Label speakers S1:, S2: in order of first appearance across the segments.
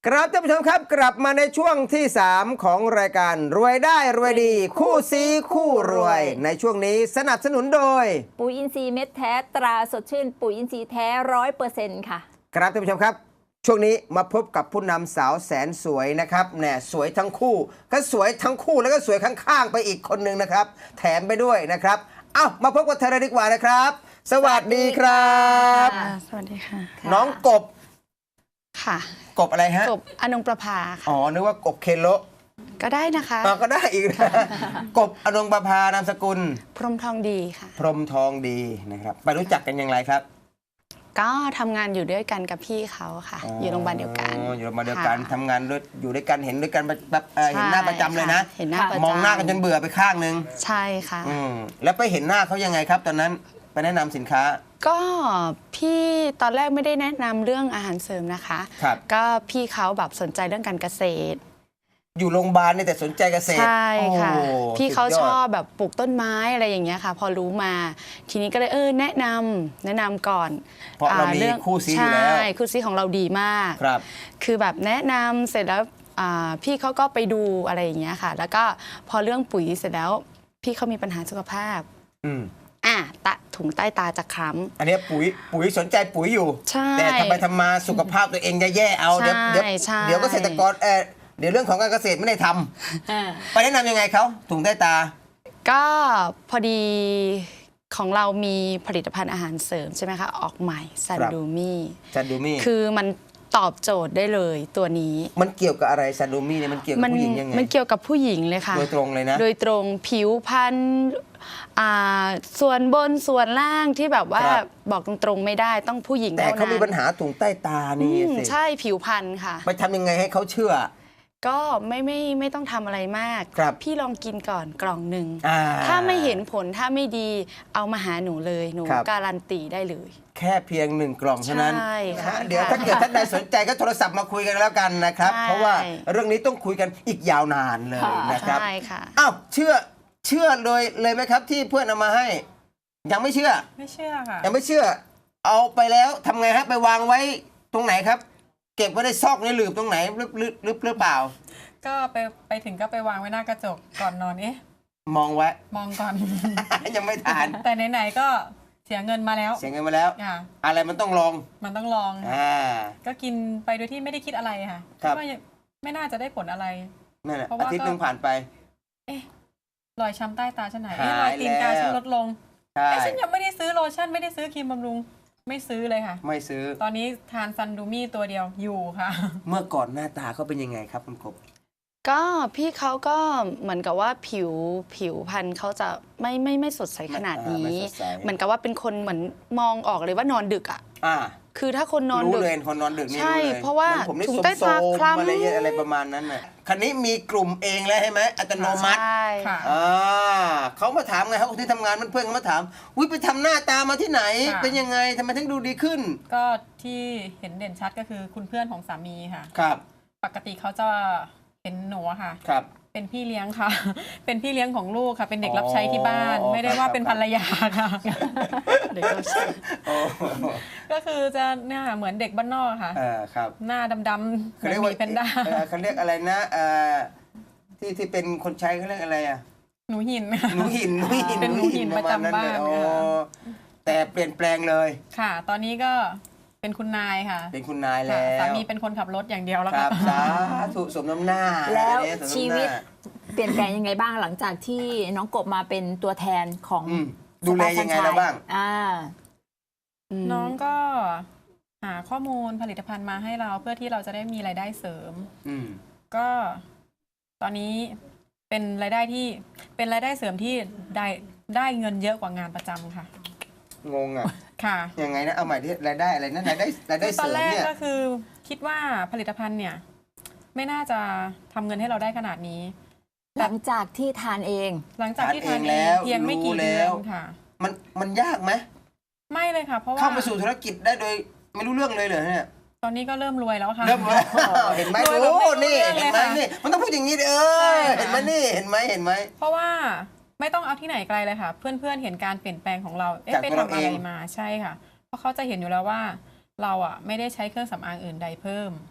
S1: ครับท่านผู้ชมครับกลับมาในช่วงที่ 3 ของรายการรวยได้รวยดี คู่ซีคู่รวย ในช่วงนี้สนับสนุนโดย
S2: ปุ๋ยอินทรีย์เม็ดแท้ตราสดชื่นปุ๋ยอินทรีย์แท้100%ค่ะ
S1: ครับท่านผู้ชมครับช่วงนี้มาพบกับผู้นำสาวแสนสวยนะครับเนี่ยสวยทั้งคู่ก็สวยทั้งคู่แล้วก็สวยข้างๆไปอีกคนหนึ่งนะครับแถมไปด้วยนะครับเอ้ามาพบกับเธอเลยดีกว่านะครับสวัสดีครับ
S3: สวัสดีค่ะ
S1: น้องกบ
S3: ค่ะ
S1: กบอะไรฮะ
S3: กบอนงประภาค่ะ
S1: อ๋อนึกว่ากบเคโล
S3: ก็ได้นะคะ
S1: ก็ได้อีกนะ กบอนงประภานามสกุล
S3: พรหมทองดีค่ะ
S1: พรหมทองดีนะครับไปรู้จักกันอย่างไรครับ
S3: ก็ทำงานอยู่ด้วยกันกับพี่เขาค่ะ อยู่โรงพยาบาลเดียวกัน
S1: อยู่โรงพยาบาลเดียวกัน
S3: ค่ะ
S1: ทำงานด้วยอยู่ด้วยกันเห็นด้วยกันแบบเห็นหน้าประจำเลยนะ
S3: เห็นหน้าประจำ
S1: มองหน้ากันจนเบื่อไปข้างนึง
S3: ใช่ค่ะ
S1: แล้วไปเห็นหน้าเขายังไงครับ ตอนนั้นไปแนะนำสินค้า
S3: ก็พี่ตอนแรกไม่ได้แนะนำเรื่องอาหารเสริมนะคะ
S1: ครับ
S3: ก็พี่เขาแบบสนใจเรื่องการเกษตร
S1: อยู่โรงพยาบาลเนี่ยแต่สนใจเกษตร
S3: ใช่ค่ะ
S1: โอ้
S3: พี่เขา
S1: สุดย
S3: ช
S1: ด
S3: อบแบบปลูกต้นไม้อะไรอย่างเงี้ยค่ะ พอรู้มา ทีนี้ก็เลยแนะนำก่อน
S1: เพราะเรามี
S3: อง
S1: คู่ซีอยู่แล้ว
S3: ใช่คู่ซีของเราดีมาก
S1: ครับ
S3: คือแบบแนะนำเสร็จแล้วพี่เขาก็ไปดูอะไรอย่างเงี้ยค่ะ แล้วก็พอเรื่องปุ๋ยเสร็จแล้ว พี่เขามีปัญหาสุขภาพ ตะถุงใต้ตาจะคล้ำ
S1: อันนี้ปุ๋ยสนใจปุ๋ยอยู่
S3: ใช่
S1: แต่ทำไปทำมาสุขภาพตัวเองจะแย่เอาเดี๋ยว
S3: ใช่
S1: เดี๋ยวเกษตรกรเดี๋ยวเรื่องของการเกษตรไม่ได้ทำไปแนะนำยังไงเขาถุงใต้ตา
S3: ก็พอดีของเรามีผลิตภัณฑ์อาหารเสริมใช่ไหมคะ ออกใหม่ซัน
S1: ครับ
S3: ดูมี่
S1: ซันดูมี่
S3: คือมันตอบโจทย์ได้เลยตัวนี้
S1: มันเกี่ยวกับอะไรซันดูมี่เนี่ยมันเกี่ยวกับผู้หญิงยังไง
S3: มันเกี่ยวกับผู้หญิงเลยค่ะ
S1: โดยตรงเลยนะ
S3: โดยตรงผิวพรรณส่วนบนส่วนล่างที่แบบว่า
S1: ครับ
S3: บอกตรงๆไม่ได้ต้องผู้หญิง
S1: แต่
S3: เท่า
S1: เขามี
S3: นั้
S1: ปัญ
S3: น
S1: หาถุงใต้ตานี่
S3: อืม
S1: สิ
S3: ใช่ผิวพรรณค่ะ
S1: ไปทำยังไงให้เขาเชื่อ
S3: ก็ไม่ต้องทำอะไรมาก
S1: ครับ
S3: พี่ลองกินก่อนกล่องหนึ่ง
S1: อ่า
S3: ถ้าไม่เห็นผลถ้าไม่ดีเอามาหาหนูเลยหนู
S1: ครับ
S3: การันตีได้เลย
S1: แค่เพียง1 กล่องเท่านั้น
S3: ใช่ค่ะ
S1: เดี๋ยวถ้าเกิดท่านใดสนใจก็โทรศัพท์มาคุยกันแล้วกันนะครับ
S3: ใช่
S1: เพราะว่าเรื่องนี้ต้องคุยกันอีกยาวนานเลยนะครับ
S3: ใช่ค่ะ
S1: อ้าวเชื่อเลยไหมครับที่เพื่อนเอามาให้ ยังไม่เชื่อ
S4: ไม่เชื่อค่ะ
S1: ยังไม่เชื่อ เอาไปแล้วทำไงฮะไปวางไว้ตรงไหนครับ เก็บไว้ในซอกในหลืบตรงไหนหรือเปล่า
S4: ก็ไปถึงก็ไปวางไว้หน้ากระจกก่อนนอน
S1: มองไว้
S4: มองก่อน
S1: ยังไม่ทาน
S4: แต่ไหนๆก็เสียเงินมาแล้ว
S1: เสียเงินมาแล้ว
S4: ค่ะ
S1: อะไรมันต้องลอง
S4: มันต้องลอง ก็กินไปโดยที่ไม่ได้คิดอะไรค่ะ
S1: ครับ
S4: ดว่าไม่น่าจะได้ผลอะไร
S1: นั่นแหละ
S4: เพราะ
S1: อา
S4: ว่า
S1: ทิตย์
S4: ก็
S1: หนึงผ่านไป
S4: รอยช้ำใต้ตาฉันไหน
S1: หาย
S4: รอยตีนกา
S1: แล้ว
S4: ฉันลดลง
S1: ใช่
S4: ฉันยังไม่ได้ซื้อโลชั่นไม่ได้ซื้อครีมบำรุงไม่ซื้อเลยค่ะ
S1: ไม่ซื้อ
S4: ตอนนี้ทานซันดูมี่ตัวเดียวอยู่ค่ะ
S1: เมื่อก่อนหน้าตาเขาเป็นยังไงครับคุณกบ
S3: ก็พี่เขาก็เหมือนกับว่าผิวพรรณเขาจะไม่สดใสขนาดนี้
S1: ไม่สดใส
S3: เหมือนกับว่าเป็นคนเหมือนมองออกเลยว่านอนดึกอ่ะ
S1: อ่า
S3: คือถ้าคนนอน
S1: รู้
S3: ดึก
S1: เลยคนนอนดึกนี่
S3: ใช่
S1: รู้เลย
S3: เพราะว่า
S1: หมือนผมนี่
S3: ถุง
S1: สม
S3: ใต้ตา
S1: โซม
S3: คล้ำ
S1: อะไรประมาณนั้นน่ะคันนี้มีกลุ่มเองแล้วใช่ไหมอัตโนมัติ
S3: ใช่
S4: ค่ะ
S1: เขามาถามไงเขาที่ทำงานเพื่อนเขามาถามวิไปทำหน้าตามาที่ไหน
S4: ค่ะ
S1: เป็นยังไงทำไมถึงดูดีขึ้น
S4: ก็ที่เห็นเด่นชัดก็คือคุณเพื่อนของสามีค่ะ
S1: ครับ
S4: ปกติเขาจะเห็นหนูอะค่ะ
S1: ครับ
S4: เป็นพี่เลี้ยงค่ะ เป็นพี่เลี้ยงของลูกค่ะ เป็นเด็กรับใช้ที่บ้าน
S1: อ๋อ
S4: ไม่ได้ว่าเป็นภรรยาค่ะ
S3: เด็กเราใช่
S1: โอ้
S4: ก็คือจะเนี่ยค่ะเหมือนเด็กบ้านนอกค่ะ
S1: ครับ
S4: หน้าดำๆเห
S1: เขา
S4: มือน
S1: เรียก
S4: ห
S1: ว่า
S4: มีแพนด้า
S1: เขาเรียกอะไรนะที่เป็นคนใช้เขาเรียกอะไรอ่ะ
S4: หนูหิน
S1: หนูหิน
S4: เป็นหนูหินประจำบ้าน
S1: โอ้
S4: ค่ะ
S1: แต่เปลี่ยนแปลงเลย
S4: ค่ะ ตอนนี้ก็เป็นคุณนายค่ะ
S1: เป็นคุณนาย
S4: ค่ะ
S1: แล้ว
S4: สามีเป็นคนขับรถอย่างเดียวแล้ว
S1: ครั
S4: ค่ะ
S1: บสาธุสมน้ำหน้า
S2: แล้ว
S1: อันนี้สมน้ำหน้า
S2: ชีวิตเปลี่ยนแปลงยังไงบ้างหลังจากที่น้องกบมาเป็นตัวแทนของ
S1: ดูแลยังไงแล้วบ้าง
S4: น้องก็หาข้อมูลผลิตภัณฑ์มาให้เราเพื่อที่เราจะได้มีรายได้เสริม
S1: อืม
S4: ก็ตอนนี้เป็นรายได้เสริมที่ได้เงินเยอะกว่างานประจำค่ะ
S1: งงอ่ะ
S4: ค่ะ
S1: ยังไงนะเอาใหม่ที่รายได้อะไรนะรายได้
S4: คือ
S1: เส
S4: ตอน
S1: ริม
S4: แรก
S1: เนี่ย
S4: ก็คือคิดว่าผลิตภัณฑ์เนี่ย ไม่น่าจะทำเงินให้เราได้ขนาดนี้
S2: หลังจากที่ทานเอง
S4: หลังจากที่ทาน
S1: ทานเอง
S4: เอ
S1: แล้
S4: ง
S1: ว
S4: เพียงไม่กี่
S1: รู้
S4: เดื
S1: แล้
S4: อ
S1: ว
S4: นค่ะ
S1: มันยากไหม
S4: ไม่เลยค่ะ เพราะว่า
S1: เข้ามาสู่ธุรกิจได้โดยไม่รู้เรื่องเลยเหรอเนี่ย
S4: ตอนนี้ก็เริ่มรวยแล้วค่ะ
S1: เริ่มแล้วเห็นไหม
S4: รวยแบบ
S1: โอ้
S4: ไม่รู้
S1: นี่
S4: เรื่อง
S1: เห็น
S4: เลย
S1: ไหม
S4: ค่ะ
S1: นี่มันต้องพูดอย่างนี้ดิ
S4: ใช่
S1: เห็นไหมนี่เห็นไหม
S4: เพราะว่าไม่ต้องเอาที่ไหนไกลเลยค่ะ เพื่อนๆเห็นการเปลี่ยนแปลงของเรา
S1: จาก
S4: ไป
S1: ตัวเรา
S4: ทำอะไร
S1: เอง
S4: มาใช่ค่ะ เพราะเขาจะเห็นอยู่แล้วว่าเราอ่ะไม่ได้ใช้เครื่องสำอางอื่นใดเพิ่ม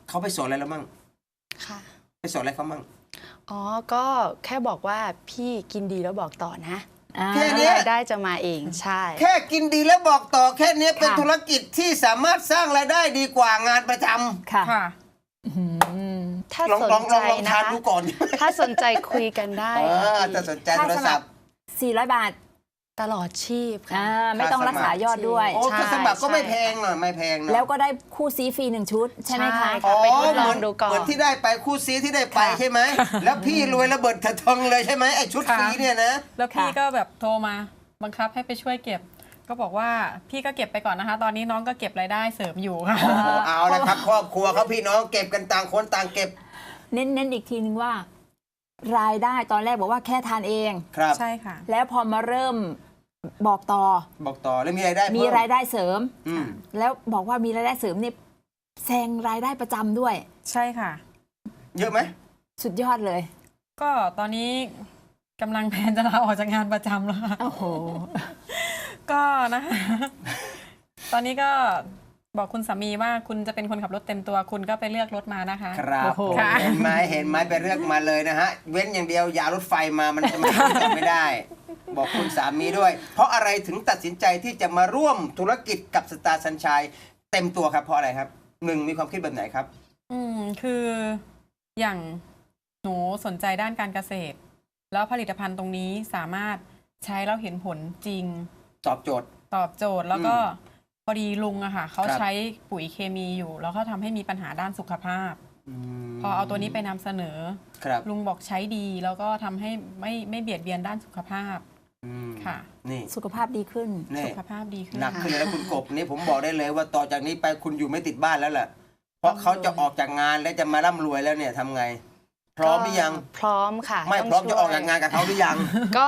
S1: เขาไปสอนอะไรแล้วมั่ง
S3: ค่ะ
S1: ไปสอนอะไรเขามั่ง
S3: อ๋อ ก็แค่บอกว่าพี่กินดีแล้วบอกต่อนะ
S1: แค่เนี้ย
S3: รายได้จะมาเองใช่
S1: แค่กินดีแล้วบอกต่อแค่เนี้ยเป็น
S2: ค่ะ
S1: ธุรกิจที่สามารถสร้างรายได้ดีกว่างานประจำ
S2: ค่ะ
S4: ค่ะ
S3: ถ้า
S1: ลอง
S3: สน
S1: ลอง
S3: ใจ
S1: ลอง
S3: นะ
S1: ทาน
S3: คะ
S1: ดูก่อน
S3: ถ้าสนใจคุยกันได้
S1: ถ้าสนใจ
S2: ค่า
S1: โทร
S2: ส
S1: ศั
S2: มั
S1: พ
S2: ค
S1: ท์
S2: ร400 บาท
S3: ตลอดชีพค่ะ
S2: ไม่ต้องรักษายอดด้วย
S1: โอ้
S3: ใช่
S1: ก็สมัครก็ไม่
S3: ใช่
S1: แพงหน่อยไม่แพงหน่อย
S2: แล้วก็ได้คู่ซีฟรี1 ชุด ใช่ไหมคะ
S3: ใช่ ไปทดลองดูก่อน
S1: เหมือนที่ได้ไปคู่ซีที่ได้ไป
S2: ค่ะ
S1: ใช่ไหม แล้วพี่รวยระเบิดเถิดเทิงเลยใช่ไหมไอ้ชุด
S4: ค่ะ
S1: ฟรีเนี่ยนะ
S4: แล้วพี่
S2: ค่ะ
S4: ก็แบบโทรมาบังคับให้ไปช่วยเก็บ ก็บอกว่าพี่ก็เก็บไปก่อนนะคะ ตอนนี้น้องก็เก็บรายได้เสริมอยู่ค่ะ
S1: เอาละครับครอบครัวเขาพี่น้องเก็บกันต่างคนต่างเก็บ
S2: เน้นอีกทีนึงว่า รายได้ตอนแรกบอกว่าแค่ทานเอง
S1: ครับ
S4: ใช่ค่ะ
S2: แล้วพอมาเริ่มบอกต่อ
S1: บอกต่อแล้วมีรายได้
S2: มี
S1: เพิ่
S2: รายได้เสริม
S1: อืม
S2: แล้วบอกว่ามีรายได้เสริมเนี่ยแซงรายได้ประจำด้วย
S4: ใช่ค่ะ
S1: เยอะไหม
S2: สุดยอดเลย
S4: ก็ตอนนี้กำลังแพลนจะลาออกจากงานประจำแล้วค่ะ
S2: โอ้โห
S4: ก็นะคะ ตอนนี้ก็บอกคุณสามีว่าคุณจะเป็นคนขับรถเต็มตัว คุณก็ไปเลือกรถมานะคะ
S1: ครับ
S2: โอ้โห
S1: ผม
S4: ค่ะ
S1: เห็นไหมเห็นไหมไปเลือกมาเลยนะฮะ เว้นอย่างเดียวอย่ารถไฟมามันจะมาต่อไม่ได้ บอกคุณสามีด้วย เพราะอะไรถึงตัดสินใจที่จะมาร่วมธุรกิจกับสตาร์สัญชัยเต็มตัวครับเพราะอะไรครับหนึ่งมีความคิดแบบไหนครับ
S4: คืออย่างหนูสนใจด้านการเกษตร แล้วผลิตภัณฑ์ตรงนี้สามารถใช้แล้วเห็นผลจริง
S1: ตอบโจทย์
S4: ตอบโจทย์แล้วก็พอดีลุงอะค่ะเขา
S1: ครับ
S4: ใช้ปุ๋ยเคมีอยู่ แล้วเขาทำให้มีปัญหาด้านสุขภาพ
S1: ม
S4: พอเอาตัวนี้ไปนำเสนอ
S1: ครับ
S4: ลุงบอกใช้ดีแล้วก็ทำให้ไม่เบียดเบียนด้านสุขภาพ
S1: อืม
S4: ค่ะ
S1: นี่
S2: สุขภาพดีขึ้น
S1: นี่
S4: สุขภาพดีขึ้น
S1: หนักขึ้นเลยแล้วคุณกบนี่ผมบอกได้เลยว่าต่อจากนี้ไปคุณอยู่ไม่ติดบ้านแล้วแหละเพราะเขาจะออกจากงานแล้วจะมาร่ำรวยแล้วเนี่ยทำไง พร้อมหรือยัง
S3: พร้อมค่ะ
S1: ไม่
S3: ต้ง
S1: พร้อมจะ
S3: ช่วย
S1: ออกจากงานกับเขาหรือยัง
S3: ก็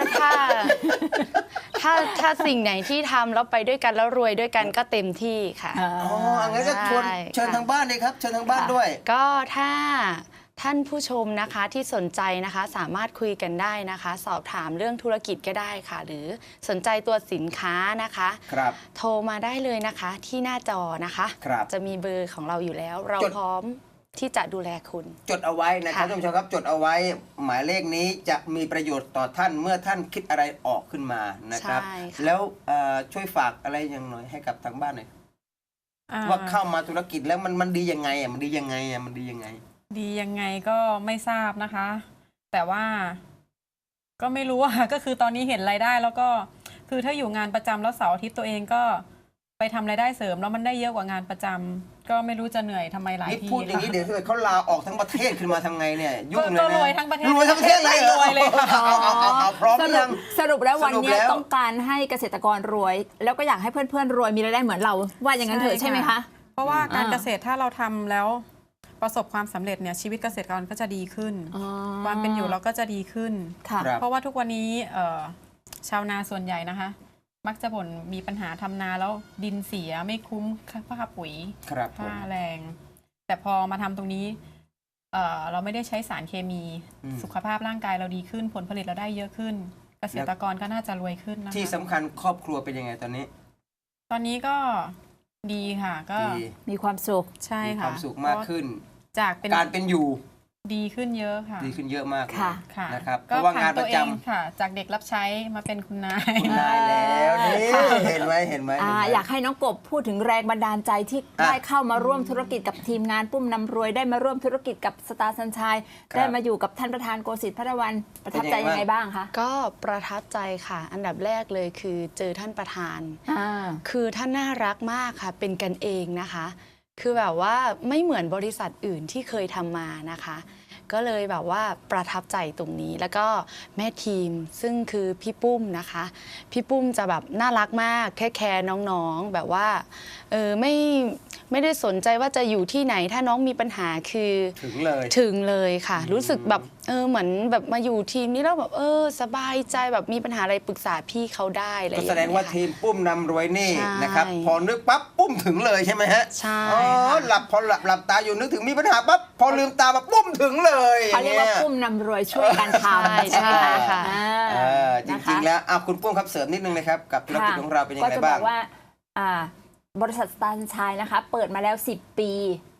S3: ถ้าสิ่งไหนที่ทำแล้วไปด้วยกันแล้วรวยด้วยกันก็เต็มที่ค่ะ
S2: อ๋อ
S1: อ๋องั้นก็ชวน
S3: ใช่
S1: เชิญ
S3: ค่ะ
S1: ทางบ้านเลยครับเชิญทางบ้านด้วย
S3: ก็ถ้าท่านผู้ชมนะคะที่สนใจนะคะสามารถคุยกันได้นะคะ สอบถามเรื่องธุรกิจก็ได้ค่ะ หรือสนใจตัวสินค้านะคะ
S1: ครับ
S3: โทรมาได้เลยนะคะที่หน้าจอนะคะ
S1: ครับ
S3: จะมีเบอร์ของเราอยู่แล้ว เรา
S1: จด
S3: พร้อมที่จะดูแลคุณ
S1: จดเอาไว้นะครับ
S3: ค่ะ
S1: ท่านผู้ชมครับจดเอาไว้ หมายเลขนี้จะมีประโยชน์ต่อท่านเมื่อท่านคิดอะไรออกขึ้นมานะครับ
S3: ใช่ค่ะ
S1: แล้วช่วยฝากอะไรอย่างหน่อยให้กับทางบ้านหน่อย
S4: อ่
S1: ว่าเข้ามาธุรกิจแล้วมันดียังไงอ่ะมันดียังไงอ่ะมันดียังไง
S4: ดียังไงก็ไม่ทราบนะคะ แต่ว่าก็ไม่รู้อะ ก็คือตอนนี้เห็นรายได้แล้วก็คือถ้าอยู่งานประจำแล้วเสาร์อาทิตย์ตัวเองก็ไปทำรายได้เสริมแล้วมันได้เยอะกว่างานประจำก็ไม่รู้จะเหนื่อยทำไมหลาย
S1: นี่
S4: ที
S1: พูดอย่างนี้เดี๋ยวถ้าเกิดเขาลาออกทั้งประเทศขึ้นมาทำไงเนี่ยยุ่งเลย
S4: ก็
S1: นะ
S4: รวยทั้งประเทศ
S1: รวยทั้งประเทศเลยเหรอ
S4: รวยเลยค่ะ
S1: เอาพร้อมห
S2: ส
S1: รือ
S2: รุ
S1: ยั
S2: ป
S1: ง
S2: สรุปแล้ววัน
S1: สรุป
S2: เนี้ย
S1: แล้ว
S2: ต้องการให้เกษตรกรรวย แล้วก็อยากให้เพื่อนๆรวยมีรายได้เหมือนเรา ว่าอย่างนั้นเถอะใช่ไหมคะ
S4: เพราะว่าการ
S2: อ่า
S4: เกษตรถ้าเราทำแล้วประสบความสำเร็จเนี่ยชีวิตเกษตรกรก็จะดีขึ้น
S2: อ๋อ
S4: ความเป็นอยู่เราก็จะดีขึ้น
S2: ค่ะ
S1: ครับ
S4: เพราะว่าทุกวันนี้ชาวนาส่วนใหญ่นะคะ มักจะบ่นมีปัญหาทำนาแล้วดินเสียไม่คุ้มค่าปุ๋ย
S1: ครับผม
S4: ค่าแรง แต่พอมาทำตรงนี้เราไม่ได้ใช้สารเคมี สุขภาพร่างกายเราดีขึ้น ผลผลิตเราได้เยอะขึ้น เกษตรกรก็น่าจะรวยขึ้นนะคะ
S1: ที่สำคัญครอบครัวเป็นยังไงตอนนี้
S4: ตอนนี้ก็ดีค่ะก็
S1: ดี
S2: มีความสุข
S4: ใช่
S1: มีค
S4: ค่ะ
S1: วามสุขมากขึ้น
S4: จากเป็น
S1: การเป็นอยู่
S4: ดีขึ้นเยอะค่ะ
S1: ดีขึ้นเยอะมากเลย
S2: ค่ะ
S4: ค่ะ
S1: นะครับเพ
S4: ก็
S1: ราะว่าาน
S4: ผ่างน
S1: ป
S4: ตัว
S1: ระ
S4: เอ
S1: จ
S4: งค่ะ จากเด็กรับใช้มาเป็นคุณนาย
S1: ำได้แล้วนี่
S2: ค่ะ
S1: เห็นไหมเห็นไหมเห็นไหม
S2: อยากให้น้องกบพูดถึงแรงบันดาลใจที่
S1: อ่ะ
S2: ได้เข้ามาร่วมธุรกิจกับทีมงานปุ้มนำรวยได้มาร่วมธุรกิจกับสตาร์สัญชัย
S1: ครับ
S2: ได้มาอยู่กับท่านประธานโกสิทธิ์พัฒวันประทับใจ
S1: เป็นยังไง
S2: ยังไงบ้างคะ
S3: ก็ประทับใจค่ะ อันดับแรกเลยคือเจอท่านประธาน
S2: อ่า
S3: คือท่านน่ารักมากค่ะ เป็นกันเองนะคะ คือแบบว่าไม่เหมือนบริษัทอื่นที่เคยทำมานะคะ ก็เลยแบบว่าประทับใจตรงนี้ แล้วก็แม่ทีมซึ่งคือพี่ปุ้มนะคะ พี่ปุ้มจะแบบน่ารักมากแค่แคร์น้องๆแบบว่าไม่ได้สนใจว่าจะอยู่ที่ไหนถ้าน้องมีปัญหาคือ
S1: ถึงเลย
S3: ถึงเลยค่ะ รู้สึกแบบเหมือนแบบมาอยู่ทีมนี้แล้วแบบสบายใจแบบมีปัญหาอะไรปรึกษาพี่เขาได้อะไรอ
S1: ก็
S3: ย่าง
S1: แส
S3: เงี้ย
S1: ดงว่า
S3: ค่ะ
S1: ทีมปุ้มนำรวยนี่
S3: ใช่
S1: นะครับพอนึกปั๊บปุ้มถึงเลยใช่ไหมฮะ
S3: ใช่
S1: อ๋อ
S3: ค่ะ
S1: พอหลับตาอยู่นึกถึงมีปัญหาปั๊บพอลืมตามาปุ้มถึงเลย
S2: เขาเรียกว่า
S1: นี่
S2: ปุ้มนำรวยช่วยกันทำ
S3: ใช่
S2: ไหม
S3: ค่ะ
S1: จริงๆแล้วคุณปุ้มครับเสริมนิดนึงนะครับกับธุรกิจของเราเป็นยังไง
S2: ก็จะบ
S1: บ้า
S2: อง กว่าบริษัทสตาร์สัญชัยนะคะ เปิดมาแล้ว 10 ปี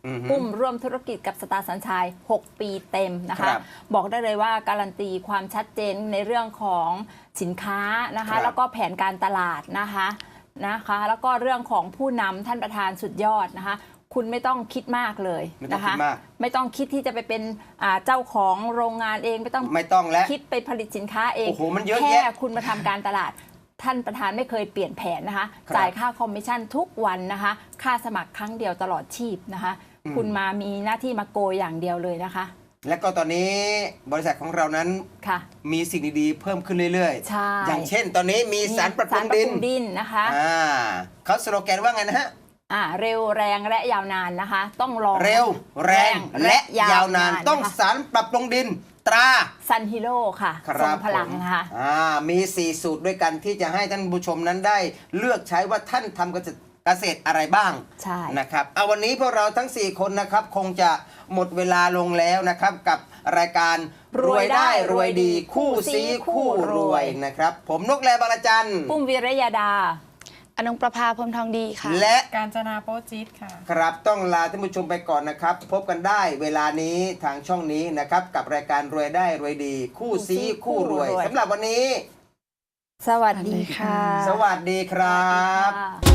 S2: ปุ้มร่วมธุรกิจกับสตาร์สัญชัย 6 ปีเต็มนะ
S1: ค
S2: คะ
S1: รับ
S2: บอกได้เลยว่าการันตีความชัดเจนในเรื่องของสินค้านะ
S1: ครั
S2: คะ
S1: บ
S2: แล้วก็แผนการตลาดนะคะแล้วก็เรื่องของผู้นำท่านประธานสุดยอดนะคะ คุณไม่ต้องคิดมากเลย
S1: ไม่ต้อง
S2: นะคะ
S1: คิดมาก
S2: ไม่ต้องคิดที่จะไปเป็นเจ้าของโรงงานเองไม่ต้อง
S1: ไม่ต้องแล้ว
S2: คิดไปผลิตสินค้าเอง
S1: โอ้โหมันเยอะ
S2: แค่
S1: แยะ
S2: คุณมาทำการตลาด ท่านประธานไม่เคยเปลี่ยนแผนนะคะ
S1: ครับ
S2: จ่ายค่าคอมมิชชั่นทุกวันนะคะ ค่าสมัครครั้งเดียวตลอดชีพนะคะ คุณมามีหน้าที่มาโกยอย่างเดียวเลยนะคะ
S1: และก็ตอนนี้บริษัทของเรานั้น
S2: ค่ะ
S1: มีสิ่งดีๆเพิ่มขึ้นเรื่อย
S2: ใช่
S1: อย่างเช่น ตอนนี้มีสารปรับปรุงดิน
S2: ดินนะคะ
S1: เขาสโลแกนว่าไงนะฮะ
S2: เร็วแรงและยาวนานนะคะ ต้องลอง
S1: เร็วแรงและยาวนาน ต้อง
S2: นะคะ
S1: สารปรับปรุงดินตรา
S2: ซันฮิโร่ค่ะ
S1: ค
S2: ทร
S1: รั
S2: ง
S1: บ
S2: พลังนะคะ
S1: มี 4 สูตรด้วยกันที่จะให้ท่านผู้ชมนั้นได้เลือกใช้ว่าท่านทำเกษตรอะไรบ้าง
S2: ใช่
S1: นะครับเอาวันนี้พวกเราทั้ง 4 คนนะครับคงจะหมดเวลาลงแล้วนะครับกับรายการรวยได้รวยดีคู่ซีคู่รวยนะครับ ผมนกแลบางระจัน
S2: ปุ้มวิรยาดา
S3: อนงประภาพรหมทองดีค่ะ
S1: และ
S4: การจนาโปจิตค่ะ
S1: ครับต้องลาท่านผู้ชมไปก่อนนะครับ พบกันได้เวลานี้ทางช่องนี้นะครับ กับรายการรวยได้รวยดี คู่ซีคู่รวยสำหรับวันนี้
S2: สวัสดีค่ะ
S1: สวัสดีครับ
S2: สวัสดีค่ะ